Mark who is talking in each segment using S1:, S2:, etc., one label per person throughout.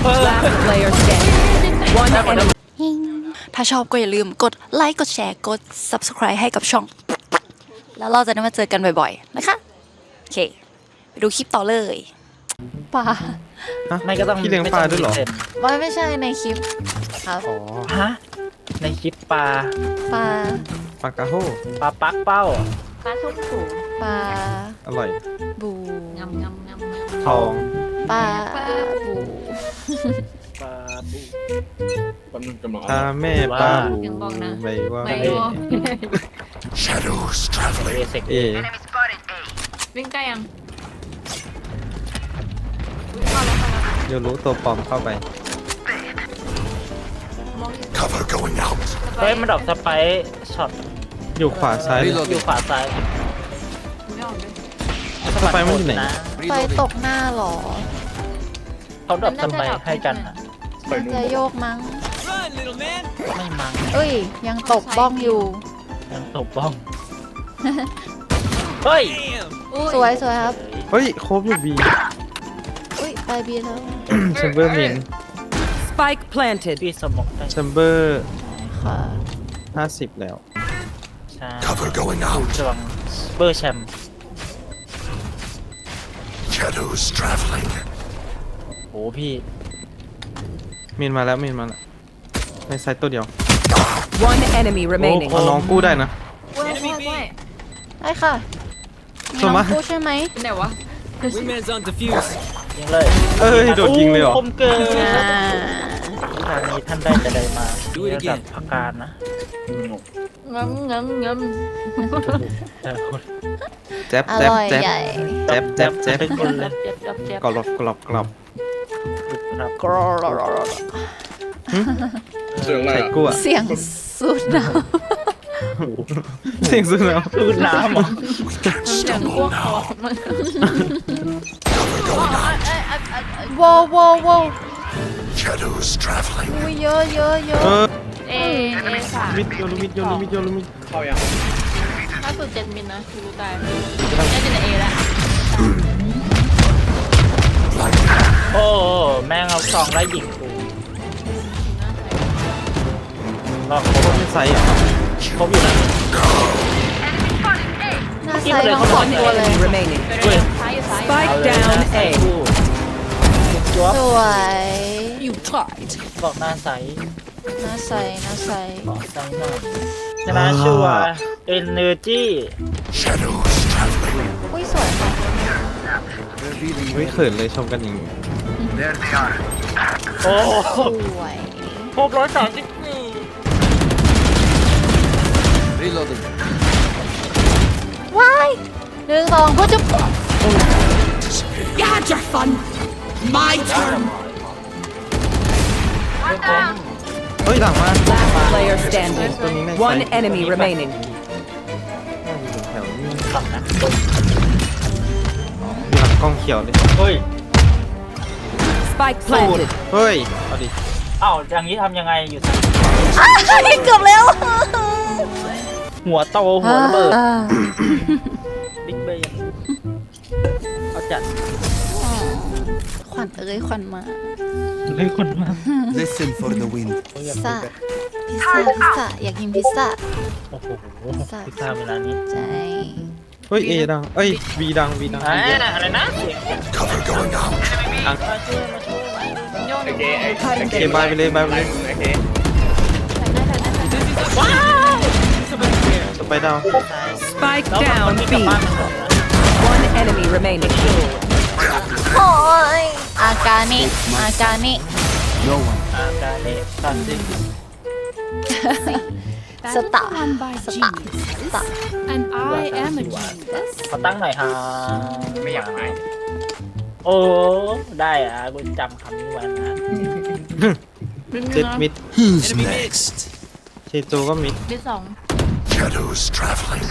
S1: Last player standing. One enemy.
S2: ถ้าชอบก็อย่าลืมกดไลค์กดแชร์กด subscribe ให้กับช่อง แล้วเราจะได้มาเจอกันบ่อยๆนะคะโอเคไปดูคลิปต่อเลยปลา
S3: ไม่ก็ต้อง
S4: พี่เลี้ยงปลาด้วยเหรอ
S2: ไม่ใช่ในคลิปครับ
S3: อ๋อฮะในคลิปปลา
S2: ปลา
S4: ปลากระโฮ
S3: ปลาปักเป้า
S5: ปลาส้มผู
S2: ปลา
S4: อร่อย
S2: บู
S5: งำงำงำงำ
S4: ทอง
S2: ปลาบู
S3: ปลาบู
S4: ถ้าแม่ปลาบูไม่ว่า
S5: ไม่
S4: เอ
S5: รู้
S3: เอเซก
S4: เอ
S5: วิ่งใกล้ยัง
S4: เดี๋ยวรู้ตัวปลอมเข้าไป
S3: เฮ้ยมันดอกสไปร์ช็อต
S4: อยู่ขวาซ้าย
S3: อยู่ขวาซ้าย
S5: ไม่ออกเลย
S4: สไปร์มันอยู่ไหน
S2: ไฟตกหน้าเหรอ
S3: เขาดอกสไปร์ให้กันนะ
S2: น่าจะโยกมั้ง
S3: ไม่มั้ง
S2: เอ้ยยังตกบ้องอยู่
S3: ยังตบบ้องเฮ้ย
S2: สวยสวยครับ
S4: เฮ้ยโคบอยู่บี
S2: อุ้ยไปบีแล้ว
S4: แชมเบอร์เมน
S1: Spike planted.
S3: พี่สมองได้
S4: แชมเบอร์
S2: ค่ะ
S4: 50 แล้ว
S3: ใช่ Cover going out จวังเบอร์แชมป์
S6: Shadows traveling.
S3: โอ้พี่
S4: เมนมาแล้วเมนมาแล้วในไซต์ตัวเดียว
S1: One enemy remaining.
S4: เอาน้องกู้ได้นะ
S5: เว้ยเว้ยเว้ย
S2: ได้ค่ะมี
S4: ส่วน
S2: น้อ
S4: มาง ก
S2: พูดใช่ไหม
S5: เป็นไหนวะ
S3: ยิงเลย
S4: เอ้ยโดดยิงเลยเหรอ
S3: คมเกิน
S2: อ่า
S3: ทางนี้ท่านได้จะได้มาระดับพักการนะ
S5: งำงำงำ
S3: แต่คน
S4: แจ๊บ
S2: อ
S4: แจ๊บ
S2: ร่อย
S4: แจ๊บ
S2: ใหญ่
S4: แจ๊บแจ๊บแจ๊บ
S3: เป็นคนเลย
S5: เจ็บเจ็บ
S4: กรอบกรอบกรอบ
S3: ครับ
S2: กรอรอรอรอ
S4: ไข่กู้อะ
S2: เสียงสุดนะ
S4: เสียงสุดแล้ว
S3: คืนน้ำเหรอ
S5: เสียงพวกคอมัน
S2: ว้าวว้าวว้าว
S6: Shadows traveling.
S2: อุ้ยเยอะเยอะเยอะ
S5: เอสาม
S4: มิดโยนมิดโยนมิดโยนมิด
S5: ถ้าสุด7 มิลนะคือรู้ตายน่าจะเป็นเอแล้ว
S3: โอ้แม่งเอาซองไล่ยิงกูก็ครบ
S4: ไม่ไซส์อะ
S3: ครบอยู่นะ
S2: หน้าไซส์ทั้งสองตัวเลย
S1: Enemy remaining.
S3: เฮ้ย
S5: ซ้ายอยู่ซ้าย
S1: Spike down
S3: ใส่
S1: A.
S3: กูจ๊วบ
S2: สวย
S1: You tried.
S3: บอกหน้าใส
S2: หน้าไซส์หน้าไซส์
S3: บอกใสหน่อยชนะชัวร์เอเนอร์จี
S6: Shadows traveling.
S2: อุ้ยสวยค่ะ
S4: ไม่เขินเลยชมกันอย่างนี้
S6: There they are.
S3: โอ้
S2: สวย
S3: ครบ134
S6: Reloading.
S2: ว้าย1 2พูดจะ
S1: You had your fun. My turn.
S4: เฮ้ยหลังมา
S1: Last player standing.
S4: ตัวนี้ใน
S1: One enemy remaining.
S4: แถวนี้
S3: ขับนะ
S4: มีหลังกล้องเขียวเลย
S3: เฮ้ย
S1: Spike planted.
S4: เฮ้ยเอาดิ
S3: เอ้าอย่างนี้ทำยังไงอยู่สัก
S2: เกือบแล้ว
S3: หัวโตหัวระเบิดบิ๊กเบย์เอาจัด
S2: ขวัญเอ้ยขวัญมา
S3: เฮ้ยคนมา
S6: Listen for the wind.
S2: พิซซ่าพิซซ่าพิซซ่าอยากกินพิซซ่า
S3: โอ้โหพิซซ่าเวลานี้
S2: ใช่
S4: เฮ้ยเอดังเอ้ยบีดังบีดัง
S3: อะไรนะ
S6: Cover going out.
S3: มาช่วยมาช่วย
S4: เกมบายไปเลยบายไปเลยสไปดาว
S1: Spike
S3: แล้วคน
S1: down
S3: ที่กลับ
S1: B.
S3: บ้านมันก่อนนะ
S1: One enemy remaining.
S2: โอ้ยอาการนี่อาการนี่
S6: No one.
S3: อาการเนตันซิ
S2: สตาร์สตาร์สตาร์
S5: and I am a genius
S3: ขอตั้งหน่อยฮะไม่อยากไหมโอ้ได้อ่ะกูจำคำนี้ไว้นะ
S4: เจ็ดมิด
S6: Who's next?
S4: เชโจก็มิด
S5: ที่2
S6: Shadows traveling.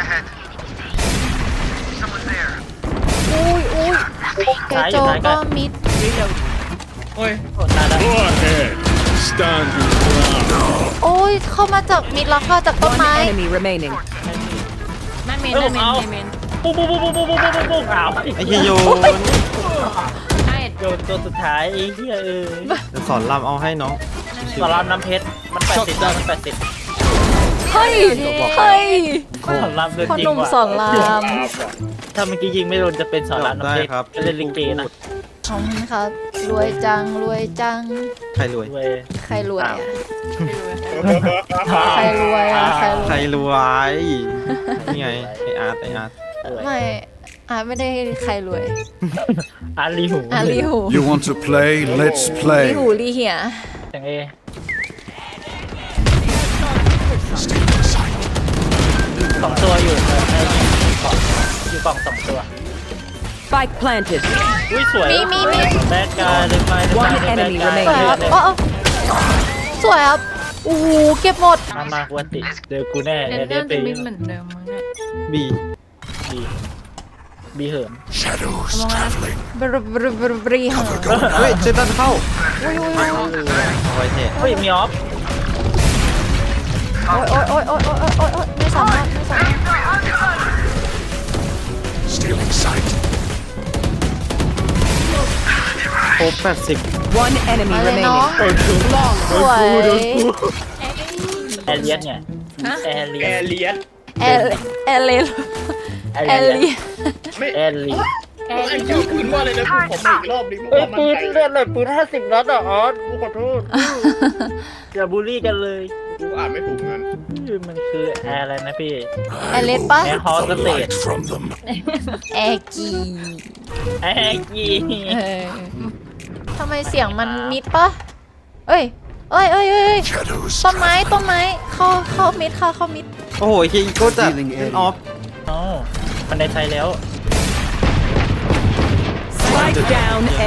S2: อุ้ยอุ้ยเกโจก็มิด
S3: โอ้ตายแล้ว
S6: Stand your ground.
S2: โอ้ยเข้ามาจากมิดแล้วเข้าจากต้น
S1: One
S2: ไม้
S1: enemy remaining.
S5: นั่นเมนนั่นเมนเมน
S3: ปุ๊บปุ๊บปุ๊บปุ๊บปุ๊บปุ๊บปุ๊บอ้าว
S4: ไอ้เฮียโยน
S5: ไอ้
S3: โดนตัวสุดท้ายไอ้เหี้ย
S4: จะสอนรำเอาให้น้อง
S3: สอนรามน้ำเพชรมัน80ได้มัน80
S2: เฮ้ยเฮ้ย
S3: สอนรามเดิน
S2: พ่อ
S3: ยิง
S2: หนุ่ม
S3: ว่ะ
S2: สอนราม
S3: ถ้าเมื่อกี้ยิงไม่โดนจะเป็นสอนรามน้ำเพชรจะเล่นลิงเกนะ
S2: ขอบคุณครับรวยจังรวยจัง
S4: ใครรวย
S3: เว้ย
S2: ใครรวยอ่ะ
S5: ไม่รู้เลย
S2: ใครรวยอ่ะใครร
S4: ใค
S2: ว
S4: ร
S2: ย
S4: รวยนี่ไงไออาร์ต
S2: ไม่ไม่ได้ใครรวย
S3: อาลีหู
S2: ลีหู
S6: You want to play? Let's
S2: ลี
S6: play.
S2: หูลีเหีย
S3: จังเอ
S6: Stay in sight.
S3: สองตัวอยู่ไอ้อยู่กล่องสองตัว
S1: Spike planted.
S3: อุ้ยสวย
S2: มี
S3: แบกกายเลยไป
S1: One enemy
S2: สวย
S1: remaining.
S2: ครับสวยครับโอ้โหเก็บหมด
S3: มากวนติเจอกูแน่
S5: เดน
S3: เดี๋
S5: เดิ
S3: ยว
S5: ม
S3: ไป
S5: จะมิดเหมือนเดิมมั้งเนี่ย
S4: บี
S3: บีเหิม
S6: Shadows traveling.
S2: บรีเหรอ
S6: Cover going
S4: เฮ้ย
S6: out.
S4: เจตันเข้า
S2: อุ้ย
S4: เอาไว้เท่
S3: เฮ้ยมีออฟ
S2: โอ้ยไม่สามารถ
S6: Stealing sight.
S4: โอ้80
S1: One enemy
S2: มาเลยเนาะ
S1: remaining.
S2: สวย
S3: แอเลียนไงแอเลียน
S2: เอลเอลลีเอลลี
S3: แอเลียน
S7: ไอ้ชื่อปืนว่าอะไรนะกูขอมาอีกรอบดิ
S3: เอ้ยปืนเลือดเลยปืน50 นัดอ่ะออสกูขอโทษอย่าบูลลี่กันเลย
S7: กูอ่านไม่ถูกงั้น
S3: มันคือแอร์อะไรนะพี่
S2: เอลเลปะ
S3: แอร์ฮอส
S6: The
S3: เต
S6: light from them.
S2: แอกี
S3: แอร์กี
S2: ทำไมเสียงมันมิดปะเอ้ย
S6: Shadows
S2: ต้นไม้
S6: traveling.
S2: เข้ามิดค่ะเข้ามิด
S4: โอ้โหเฮียอีโก้จัดเป็นออฟ
S3: อ๋อมันในไทยแล้ว
S1: Spike down A.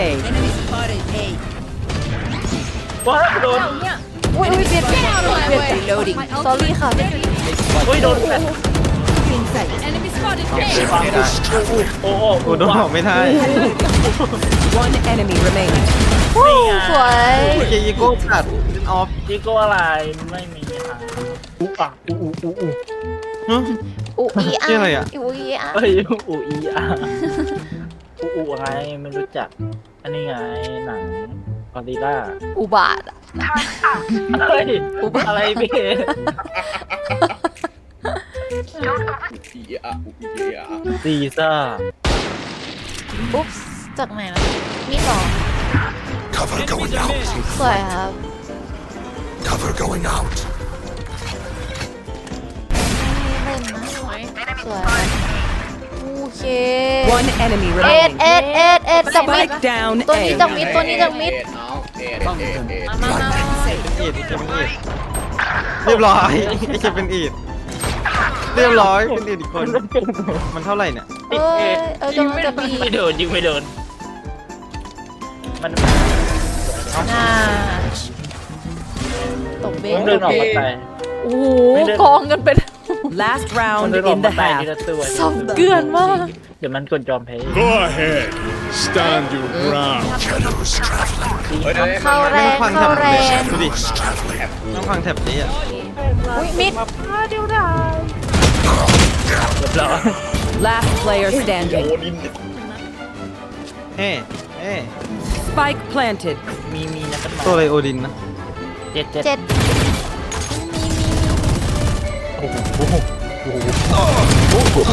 S3: ว้าโดน
S2: อุ้ยเบียด
S1: Reloading.
S2: sorry ค่ะ
S3: อุ้ยโดนแฟน
S5: enemy spotted
S4: ไม่ได้
S3: โอ้โห
S4: โอ้โดนบอกไม่ได้
S1: One enemy remaining.
S2: สวย
S4: เฮียอีโก้จัดเป็นออฟ
S3: จิโก้อะไรไม่มีทางอุ๊อ่ะอุ๊
S4: ฮะ
S2: อุอีอา
S4: ชื่ออะไรอะ
S2: อุอีอา
S3: เฮ้ยอุ๊อีอ่ะอุ๊ไงไม่รู้จักอันนี้ไงหนังกอริลล่า
S2: อุบาทอะ
S3: เฮ้ยอะไรพี่
S7: อีอะอีอะ
S3: ซีซ่า
S2: อุ๊บจากไหนนะมิดหรอ
S6: Cover going out.
S2: สวยครับ
S6: Cover going out.
S2: เล่นนะสวยโอเค
S1: One enemy
S2: เอ็ด
S1: remaining.
S2: จากมิด
S1: Spike down
S2: ตัวนี้
S1: A.
S2: จากมิดตัวนี้จากมิด
S7: เอาเอ็ด
S4: อีดเจะเป็นอีดเรียบร้อยไอ้เจะเป็นอีดเรียบร้อยเป็นอีดอีกคน มันเท่าไหร่เนี่ย
S2: เอ้ยกำลังจะบี
S3: ไม่โดนยิงไม่โดนมัน
S2: น่าตบเบ้
S3: มันเดินออกมาไป
S2: โอ้โหกองกันเป็น
S1: Last
S3: มัน
S1: round
S3: เดินออก
S1: in
S3: มา
S1: the
S3: ไปที
S1: half.
S3: ละตัว
S2: สมเกลือนมาก
S3: เดี๋ยวมันกดยอมแพ้
S6: Go ahead. Stand your ground. Shadows traveling.
S2: เข้าแรงเข้าแรง
S4: ดูดิ
S6: Shadows traveling.
S4: ต้องฟังแถบนี้อ่ะ
S2: อุ้ยมิด
S3: เรียบร้อย
S1: Last player standing.
S4: เฮ้เฮ้
S1: Spike planted.
S3: มีนะเป็นหม
S4: ตัวอะไรโอดินนะ
S3: เจ็ด
S2: เจ็ด
S3: โอ้โห
S2: โอ้โห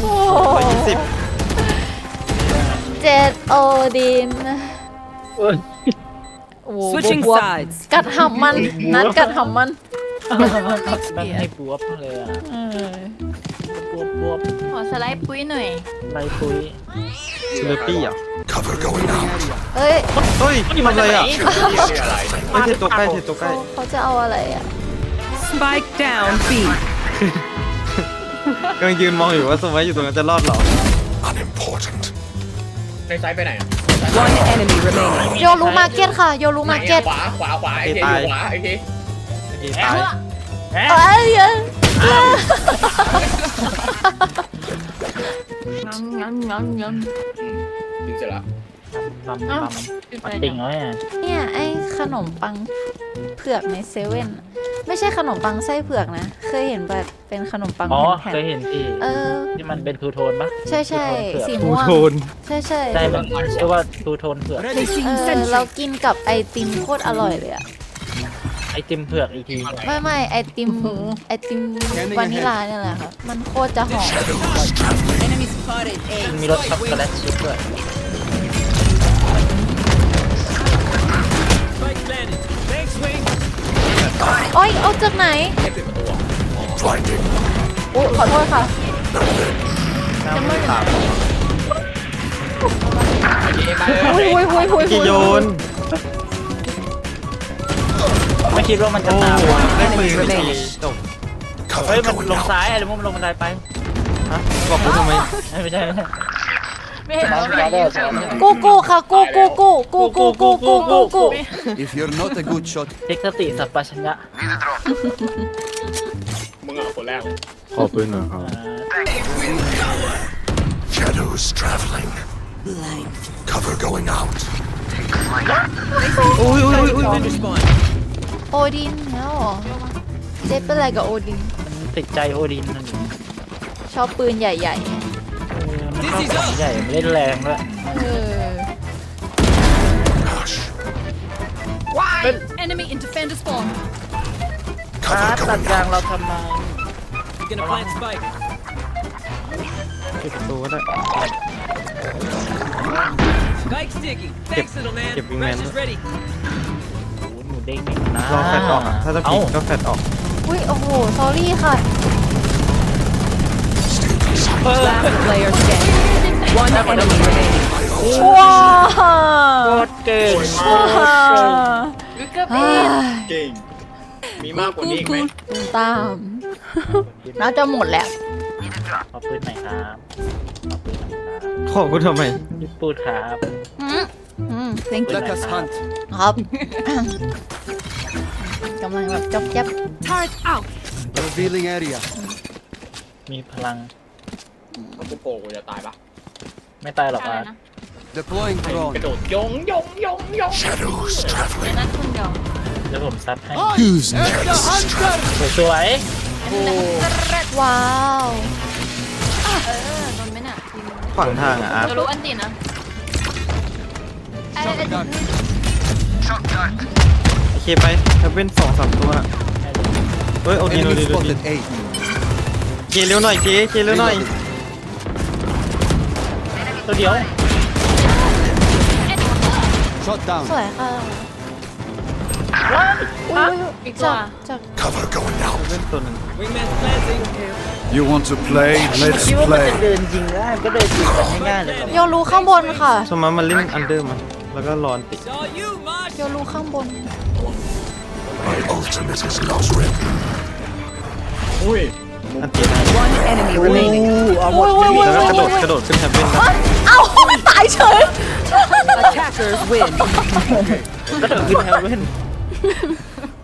S4: 120
S2: เจ็ดโอดิน
S3: เอ้ย
S2: โอ้โห
S1: Switching
S2: บวบ
S1: sides.
S2: กัดหำมันนัดกัดหำมัน
S3: มันให้บวบเลยอ่ะบวบ
S5: ขอสไลด์ปุ้ยหน่อย
S3: ใบปุ้ย
S4: ซิลปี้อ่ะ
S6: Cover going out.
S2: เฮ้ย
S4: เฮ้ยทำอะไรอ่ะ
S7: อะไร
S4: ไม่เทตัวใกล้เทตัวใกล้
S2: เขาจะเอาอะไรอ่ะ
S1: Spike down B.
S4: กำลังยืนมองอยู่ว่าสมัยอยู่ตรงนั้นจะรอดเหรอ
S6: Unimportant.
S7: ในไซส์ไปไหน
S1: One enemy remaining.
S2: โยรูมาร์เก็ตค่ะ โยรูมาร์เก็ต
S7: ขวาไอ้เคอยู่ขวาไอ้เค
S4: โอเคตาย
S3: แอะ
S2: เอ้ย
S5: งั้น
S7: ดึงเสร็จละ
S3: ปั๊มมันติ่งแล้วเนี่ย
S2: เนี่ยไอ้ขนมปังเผือกในเซเว่นอะไม่ไม่ใช่ขนมปังไส้เผือกนะ เคยเห็นแบบเป็นขนมปัง
S3: อ๋อ
S2: แผ่น
S3: เคยเห็นที่
S2: ๆเออ
S3: ที่มันเป็นทูโทนปะ
S2: ใช่ใช่
S3: ทู
S2: สี
S3: โทนเผือก
S2: ม่วง
S4: โทน
S2: ใช่ใช่
S3: ใช่มันชื่อว่าทูโทนเผือก
S2: เรากินกับไอติมโคตรอร่อยเลยอะ
S3: ไอติมเผือกอีกที
S2: ไม่ไอติมวานิลาเนี่ยแหละค่ะมันโคตรจะหอม
S3: มันมีรสช็อกโกแลตชิพด้วย
S2: โอ้ยเอาจากไหนโอ้ขอโทษค่ะ
S4: น้ำมือถาม
S2: หุย
S4: กี่โยน
S3: ไม่คิดว่ามันจะ
S4: โอ้
S3: ตาม
S4: ได้ปืนไปทีจบ
S3: เฮ้ยมันลงซ้ายอะไรมันลงบันไดไป
S4: ฮะบอกกูทำไม
S3: ไม่ใช่
S5: ไม่เห็นว่าไม่ได้ชอบ
S2: กูค่ะกู
S8: If you're not a good shot,
S3: เทคสติสัพพัญญะ
S7: มึงอ่ะคนแรก
S4: ขอปืนหน่อยครับ
S6: Shadows traveling. Cover going out.
S4: อุ้ย
S2: โอดินแล้วเหรอเจ๊เป็นอะไรกับโอดิน
S3: มันติดใจโอดินนั่น
S2: ชอบปืนใหญ่
S3: มันชอบของใหญ่มันเล่นแรงด้วย
S2: ๆเออ
S6: Hush.
S5: enemy in defender spawn
S3: ตัด
S6: Cover
S3: ยาง
S6: going
S3: เรา
S6: out.
S3: ทำไม
S4: ปิดประตูก็ได้เก็บวิงแมนด้วย
S3: โอ้หนูเด้งนี่นะ
S4: รอแฟดออกอะถ้าจะปิดก็แฟดออก
S2: อุ้ยโอ้โหสอรี่ค่ะ
S1: Last player standing. One enemy remaining.
S2: ว้า
S3: โคตรเก่ง
S5: วิกเกอร์ปีน
S7: เก่ง มีมากกว่านี้อีกไหม
S2: ตุ้มตาม น่าจะหมดแล้ว
S3: ขอปืนหน่อยครับขอปืนหน่อยครับ
S4: ขอกูทำไม
S3: พี่ปูดครับ
S2: thank you
S8: let us hunt.
S2: ครับ กำลังแบบจ๊อบแจ๊บ
S8: Revealing area.
S3: มีพลัง
S7: ถ้ากูโกกูจะตายปะ
S3: ไม่ตายหรอก
S5: อะไร
S3: อ่ะ
S5: นะ
S8: Deploying
S7: กระ
S8: drone.
S7: โดดยง
S6: Shadows
S5: ใน
S6: traveling.
S5: นั้นคุณยอง
S3: เดี๋ยวผมซัดให้
S6: Who's next?
S3: สวย
S2: ว้าว
S5: โดนไหมน่ะ
S4: ฝั่งทางอ่ะอาร์ต
S5: จะรู้อันตีนะ
S8: Shotgun.
S4: โอเคไปถ้าเป็น2-3ตัวน่ะเฮ้ยโอดี
S8: Enemy spotted A.
S4: เคเร็วหน่อยเคเร็วหน่อย
S3: ตัวเดียว
S8: Shot down.
S2: สวยค่ะ
S5: อีกตัว
S2: จาก
S6: Cover going out.
S4: เป็นตัวหนึ่ง
S6: You want to play? Let's
S3: คิดว่ามัน
S6: play.
S3: จะเดินยิงได้มันก็เดินยิงกันง่ายๆเลยครับ
S2: โยรู้ข้างบนค่ะ
S4: สมมติมันเล่นอันเดอร์มันแล้วก็รอนติ
S2: โยรู้ข้างบน
S6: My ultimate is not ready.
S7: อุ้ย
S4: อันตีได้
S1: One enemy remaining.
S3: เอาหมด
S4: แล้วก็กระโดดขึ้นแท็บเล่นได้
S2: เอ้ามันตายเฉย
S1: Attackers win.
S3: ก็เดินขึ้นแฮร์เว่น